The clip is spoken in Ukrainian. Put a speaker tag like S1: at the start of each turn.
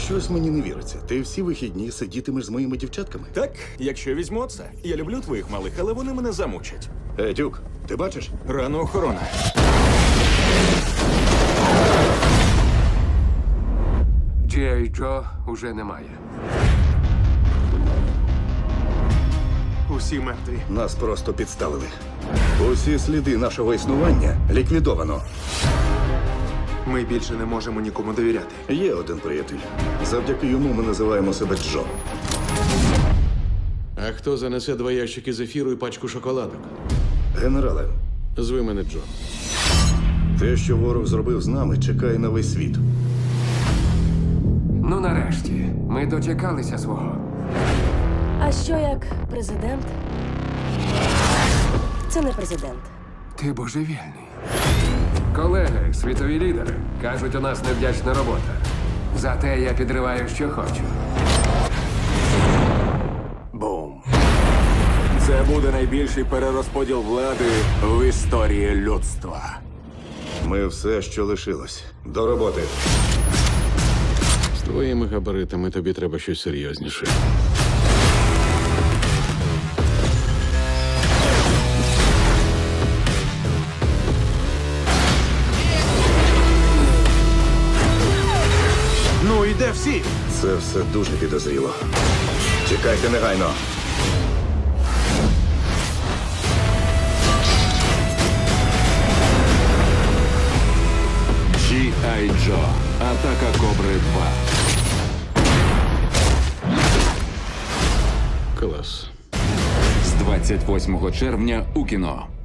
S1: Щось мені не віриться. Ти всі вихідні сидітимеш з моїми дівчатками?
S2: Так, якщо візьму це. Я люблю твоїх малих, але вони мене замучать.
S1: Дюк, ти бачиш?
S2: Рано охорона.
S3: G.I. Джо уже немає.
S4: Усі мертві.
S1: Нас просто підставили. Усі сліди нашого існування ліквідовано.
S4: Ми більше не можемо нікому довіряти.
S1: Є один приятель. Завдяки йому ми називаємо себе Джо.
S5: А хто занесе 2 ящики зефіру і пачку шоколадок?
S1: Генерале,
S5: Зви мене Джон.
S1: те, що ворог зробив з нами, чекає на весь світ.
S3: Ну, нарешті, ми дочекалися свого.
S6: А що як президент? Це не президент.
S3: Ти божевільний. Колеги, світові лідери, кажуть, у нас невдячна робота. Зате я підриваю, що хочу.
S2: Бум. Це буде найбільший перерозподіл влади в історії людства.
S1: Ми все, що лишилось. До роботи.
S5: З твоїми габаритами тобі треба щось серйозніше.
S4: Ну, і де всі?
S1: Це все дуже підозріло. Чекайте негайно.
S7: G.I. Джо. Атака Кобри 2.
S5: Клас.
S7: З 28 червня у кіно.